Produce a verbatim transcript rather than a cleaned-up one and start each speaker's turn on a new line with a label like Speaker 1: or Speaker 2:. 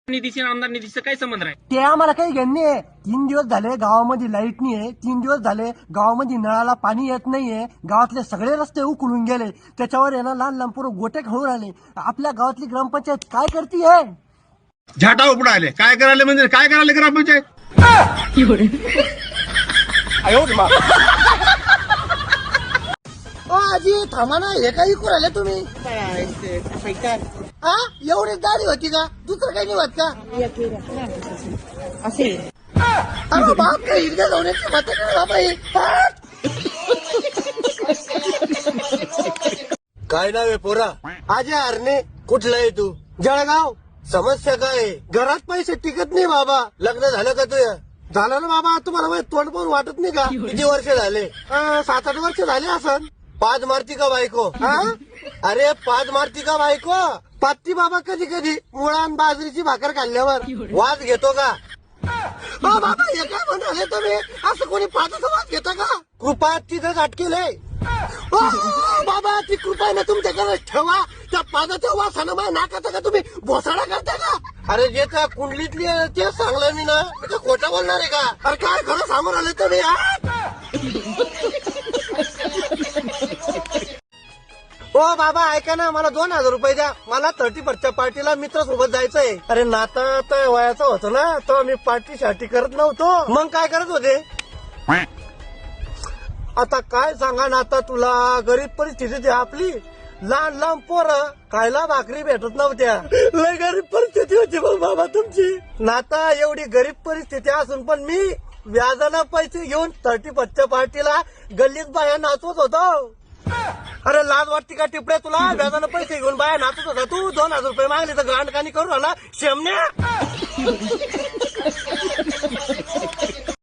Speaker 1: निधीशी आणि आमदार निधीचा काय संबंध आहे?
Speaker 2: ते आम्हाला काही घेणं नाही. तीन दिवस झाले गावामध्ये लाईट नाहीये, तीन दिवस झाले गावामध्ये नळाला पाणी येत नाहीये, गावातले सगळे रस्ते उकळून गेले, त्याच्यावर आहे ना लहान लहान पोरं गोटे खाऊन आले. आपल्या गावातली ग्रामपंचायत काय करतीये?
Speaker 3: झाटा उपडा आले. काय करायला म्हणजे काय करायला ग्रामपंचायत?
Speaker 2: ओ आजी थांबा ना, हे काही करू राहिले तुम्ही? हा एवढीच दाढी होती का? दुसरं काही नाही होत का?
Speaker 4: असे
Speaker 2: अरे बाप रे, इकडे जाऊनची मत बाबा हे.
Speaker 5: काय नाव आहे पोरा? आजे हरणे. कुठला आहे तू? जळगाव. समस्या काय आहे? घरात पैसे टिकत नाही बाबा. लग्न झालं का तुझं? झालं ना बाबा. तुम्हाला माझं तोंड पण वाटत नाही का? किती वर्ष झाले? अं, सात आठ वर्ष झाले असन. पाच मारती का बायको? हा? अरे पाच मारती का बायको? पात्ती बाबा कधी कधी मुळा आणि बाजरीची भाकर खाल्ल्यावर वाद घेतो का? हा बाबा हे काय म्हणाले तुम्ही? असं कोणी पाठाचा वाद घेता का? कृपा तिथंच अटकेलय. ओ, बाबा ती कृपा आहे ना तुमच्याकडे ठेवा. त्या पादाच्या वासानं माझ्या नाकाचा का तुम्ही भोसाडा करता का? अरे जे का कुंडलीतली आहे ते सांगलं मी ना. मी तर खोटं बोलणार आहे का? अरे काय खरं सांगून आले तुम्ही? ओ बाबा ऐका ना, मला दोन हजार रुपये द्या. मला थर्टी फर्स्टच्या पार्टीला मित्र सोबत जायचंय. अरे नाता तर वयाचं होतं ना, तर मी पार्टी शार्टी करत नव्हतो. मग काय करत होते? आता काय सांगा ना, आता तुला गरीब परिस्थिती आहे आपली. लहान लहान पोरं खायला भाकरी भेटत नव्हत्या. लय गरीब परिस्थिती होती मग बाबा तुमची. नाता एवढी गरीब परिस्थिती असून पण मी व्याजानं पैसे घेऊन थर्टी फर्स्टच्या पार्टीला गल्लीत बाया नाचवत होतो. अरे लाज वाटते का टिपड्या तुला? व्याजानं पैसे घेऊन बाया नाचत होता तू. दोन हजार रुपये मागले तर गांडकानी करून आला शेमण्या.